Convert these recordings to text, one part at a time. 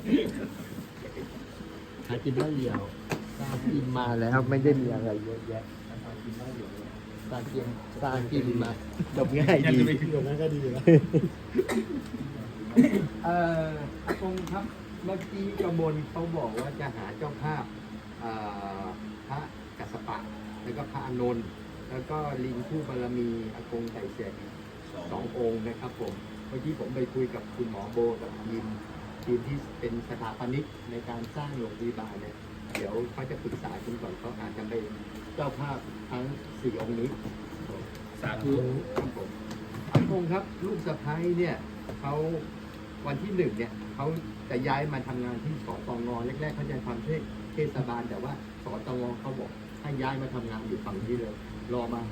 หากินได้เดียวสร้างกินมาแล้วไม่ได้มีอะไรเยอะแยะสร้างกินมาจบง่ายดีจบง่ายก็ดีแล้วอากงครับเมื่อกี้กระมวลเขาบอกว่าจะหาเจ้าภาพพระกัสสปะแล้วก็พระอานนท์แล้วก็ลิงคู่บารมีอากงไต่เสร็จ2 องค์นะครับผมเมื่อกี้ผมไปคุยกับคุณหมอโบกับทีมที่เป็นสถาปนิกในการสร้างโรงพยาบาลเนี่ยเดี๋ยวเขาจะปรึกษาคุณก่อนเขาอาจจะเป็นเจ้าภาพทั้ง4 องค์นี้สาธุครับผมอากงครับลูกสะใภ้เนี่ยเขาวันที่1เนี่ยเขาจะย้ายมาทำงานที่สตงแรกๆเขาจะทำเทศบาลแต่ว่าสตงเขาบอกให้ย้ายมาทำงานอยู่ฝั่งนี้เลยรอมา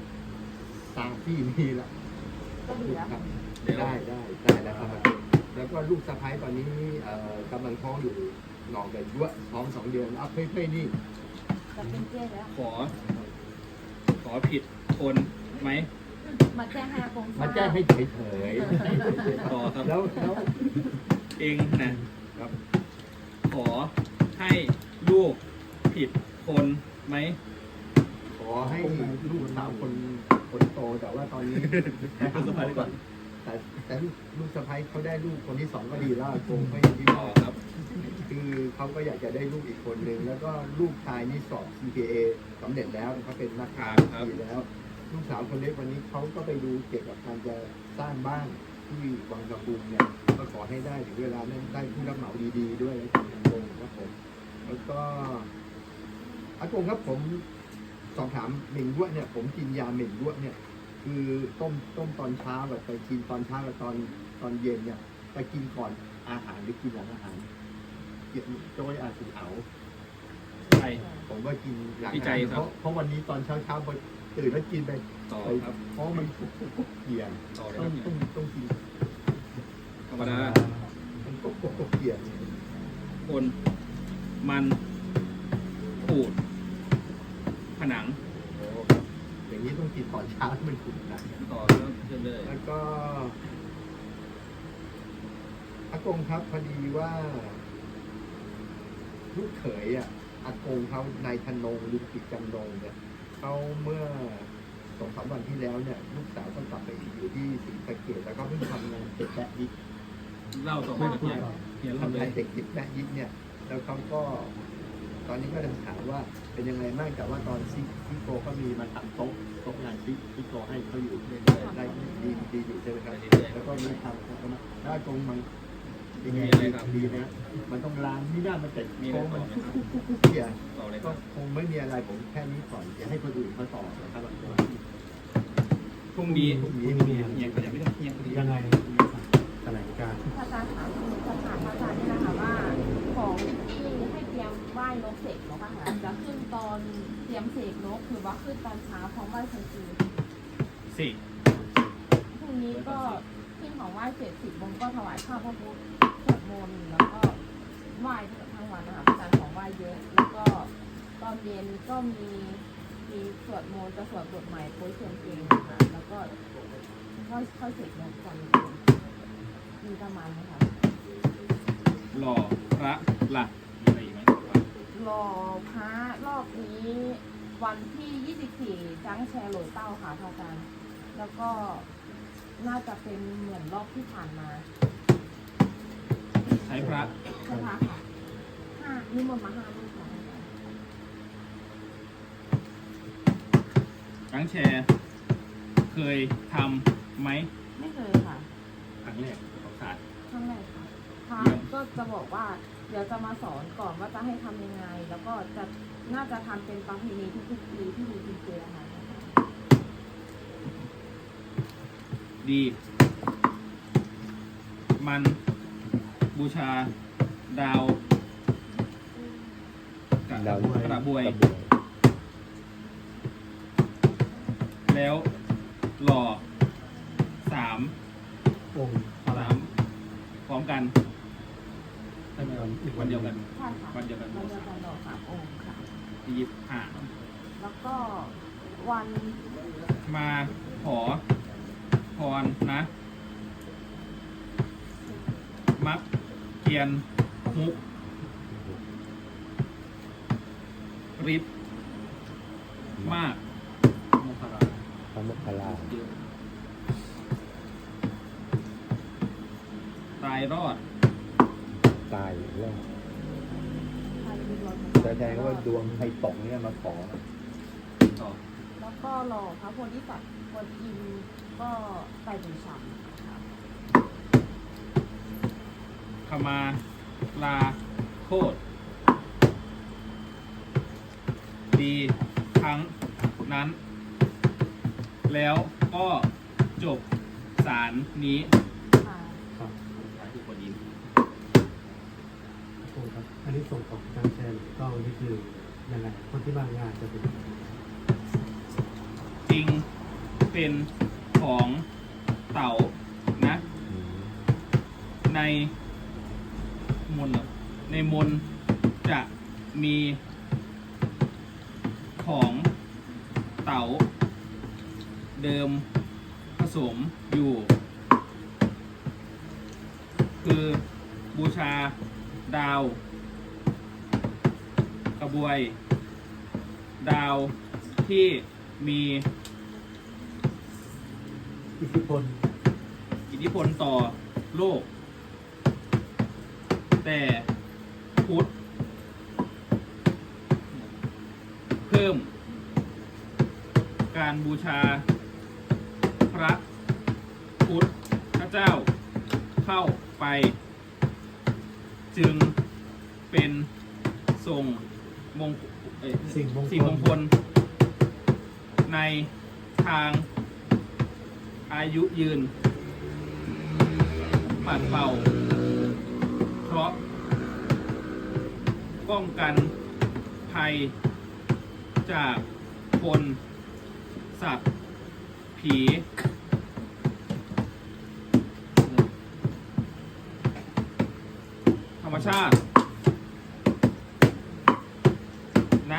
3 ที่นี่ละก็ดีแล้วครับได้แล้วครับแล้วก็ลูกสะใภ้ตอนนี้กำลังท้องอยู่หนองกันยั่วท้อง2 เดือนเอาเพ่ๆนี่จะเป็นเจ๊แล้วขอผิดคนไหมมาแจ้งให้อากงมาแจ้งให้เฉยๆต่อครับแล้วเองนะครับขอให้ลูกผิดคนไหมขอให้ลูกสาวคนโตแต่ว่าตอนนี้ลูกสะใภ้ก่อนแต่ลูกสะใภ้เขาได้ลูกคนที่ 2ก็ดีแล้วคงไม่ดีพอครับคือเขาก็อยากจะได้ลูกอีกคนนึงแล้วก็ลูกชายนี่สอบ CPA สำเร็จแล้วเขาเป็นนักการดีแล้วลูกสาวคนเล็กวันนี้เขาก็ไปดูเกี่ยวกับการจะสร้างบ้านที่วังกระพุงเนี่ยก็ขอให้ได้ถึงเวลานั้นได้ผู้รับเหมาดีๆด้วยอากงครับผมแล้วก็อากงครับผมสอบถามเหม่งด้วเนี่ยผมกินยาเหม่งด้วเนี่ยคือต้มตอนเช้าแบบไปกินตอนเช้ากับตอนเย็นเนี่ยไปกินก่อนอาหารหรือกินหลังอาหารเกี่ยวโดยอาสุเอาใช่ผมว่ากินหลังอาหารเพราะวันนี้ตอนเช้าพอตื่นแล้วกินไปต่อครับเพราะมันกุ๊กเกียนต้องกินธรรมดามันกุ๊กเกียนคนมันขูดผนังอย่างนี้ต้องกินตอนเช้ามันขุ่นนะต่อเลยแล้วก็อากงครับพอดีว่าลูกเขยอากงเขานายธนงลุงกิจจำนงเนี่ยเขาเมื่อ2-3 วันที่แล้วเนี่ยลูกสาวก็กลับไปอยู่ที่ศรีสะเกษแล้วก็เพิ่งทำงานเสร็จแปะยิกเล่าต่อไปกับเนี่ยทำงานเสร็จแปะยิกเนี่ยแล้วเขาก็ตอนนี้ก็จะถามว่าเป็นยังไงบ้างแต่ว่าตอนซิโก้ก็มีมาทำโต๊ะงานซิโก้ให้เขาอยู่ได้ดีอยู่ใช่ไหมครับแล้วก็มีทำถ้าตรงมันยังไงดีนะมันต้องล้างนี่ได้มันแต่โค้งมันคุกเกียร์ก็คงไม่มีอะไรผมแค่นี้ก่อนจะให้คนอื่นมาต่อนะครับพรุ่งนี้เนี่ยก็ยังไม่ต้องยังไงแถลงการพระอาจารย์ถามพระอาจารย์นี่นะคะว่าของที่ให้เตรียมไหว้นกเสกนกอะค่ะจะขึ้นตอนเตรียมเสกนกหรือว่าขึ้นตอนเช้าพร้อมไหว้ครูสิพรุ่งนี้ก็ขึ้นของไหว้เสร็จ10 โมงก็ถวายข้าวพระพุทธสวดมนต์แล้วก็ไหว้ทั้งวันนะคะอาจารย์ของไหว้เยอะแล้วก็ตอนเย็นก็มีสวดมนต์จะสวดบทใหม่โพสเชียงเองนะคะแล้วก็ค่อยเสกนกก่อนมีประมาณนี้ค่ะหล่อพระหลักมีอะไรอีกไหมหล่อพระรอบนี้วันที่24จังแชร์โหลเต้าค่ะอาจารย์แล้วก็น่าจะเป็นเหมือนรอบที่ผ่านมาใช้พระค่ะนิมนต์มา5 รูปค่ะจังแชร์เคยทำไหมไม่เคยค่ะครั้งแรกของศาสตร์ครั้งแรกค่ะพระก็จะบอกว่าเดี๋ยวจะมาสอนก่อนว่าจะให้ทำยังไงแล้วก็น่าจะทำเป็นประเพณีทุกๆปีที่มีกินเจค่ะดีมันบูชาดาวกระบวยแล้วหล่อ3 องค์พร้อมกันวันเดียวกันวันเดียวกันหล่อ3 องค์ค่ะ 25 แล้วก็วันมาขอพรนะมักเกียนฮุกฤทธิ์มากมุขราพระมุขลาเยอะตายรอดตายเรื่องใครมีดวงแสดงว่าดวงใครตกเนี่ยมาขอต่อแล้วก็หล่อพระโพธิสัตว์กวนอิมก็ไปถึงฉ่ำค่ะขมาลาโคตรดีทั้งนั้น แล้วก็จบสารนี้ค่ะครับท้ายคือคนยิ้มขอบคุณครับ อันนี้ส่งของการแชร์ก็นี่คือยังไงคนที่มางานจะเป็นยังไงจริงเป็นของเต่านะ ในมนต์เหรอในมนต์จะมีของเต่าเดิมผสมอยู่ คือบูชาดาวกระบวย ดาวที่มีอิทธิพลอิทธิพลต่อโลก แต่พุทธเพิ่มการบูชาพระพุทธเจ้าเข้าไป จึงเป็นทรงมงสิ่งมงคลสิ่งมงคล ในทางอายุยืน ปัดเป่า เพราะป้องกันภัยจากคนสัตว์ผี ธรรมชาติ นะ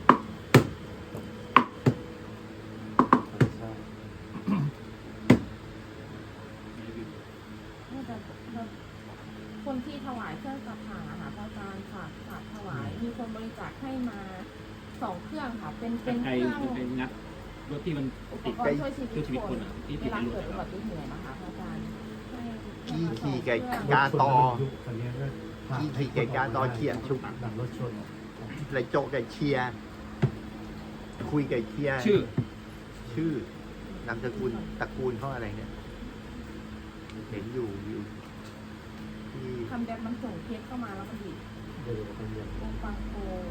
น่าจะคนที่ถวายเครื่องสักการะค่ะพระอาจารย์ฝากถวาย มีคนบริจาคให้มา2 เครื่องค่ะ เป็นเคใครรื่องเป็นงัดรถที่มันอุปติดกรณ์ช่วยชีช่วยชีวิวิตตคคน นอ่ะที่เวติดลาในรถเกิดอุอะบัติเหตุนะคะพระอาจารย์ให้ขี่มาขี่ 2 ไก่เครื่องกาตอคนนี้ก็ผ่านขี่ไก่กาตอเขียนชุบดับรถชนไรโจไก่เชียร์คุยไก่เชียร์ชื่อนามสกุลตระกูลเขาอะไรเนี่ย เห็นอยู่ที่ทำแบบมันส่งเคสเข้ามาแล้วมันดีเดี๋ยวคนเดียววงฟังโค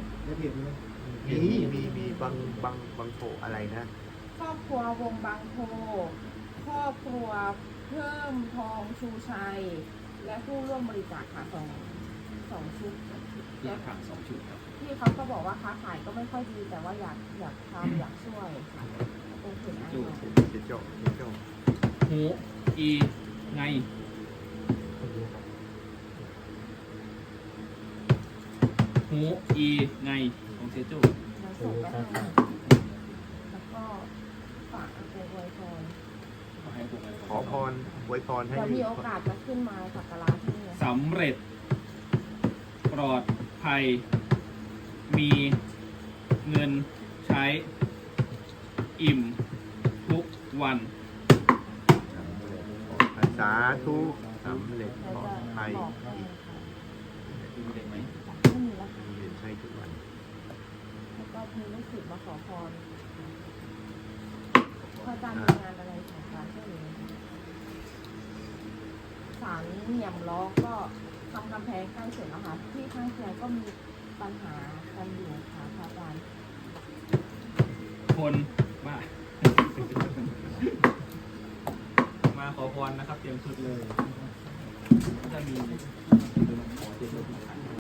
มีบางโผอะไรนะครอบครัววงบางโพครอบครัวเพิ่มทองชูชัย และผู้ร่วมบริจาคค่ะสองชุดที่ถาม2 ชุดครับที่เขาก็บอกว่าค้าขายก็ไม่ค่อยดีแต่ว่าอยากทำอยากช่วยค่ะตรงถึงอันนี้เจโจหูอีไงคนเดียวครับหูอีไงของเซจูแล้วส่งไปให้แล้วก็ฝากเอาไปไว้พรขอให้พวกเราขอพรไว้พรให้เดี๋ยวมีโอกาสจะขึ้นมาสักการะที่นี่สำเร็จ ปลอดภัย มีเงินใช้ อิ่มทุกวันสาธุสำเร็จเราปลอจะดภัยบอกให้ค่ะดูเด็กไหมไม่มีแล้วค่ะมีเงินใช้ทุกวันแล้วก็มีลูกศิษย์มาขอพรพระอาจารย์มีงานอะไรของการช่วยเหลือไหมคะศาลเหนี่ยมล้อก็ทำกำแพงใกล้เสร็จแล้วค่ะที่ข้างเคียงก็มีปัญหากันอยู่ค่ะพระอาจารย์คนมา มาขอพรนะครับ เตรียมชุดเลยถ้ามีขอเตรียมรถมาขาย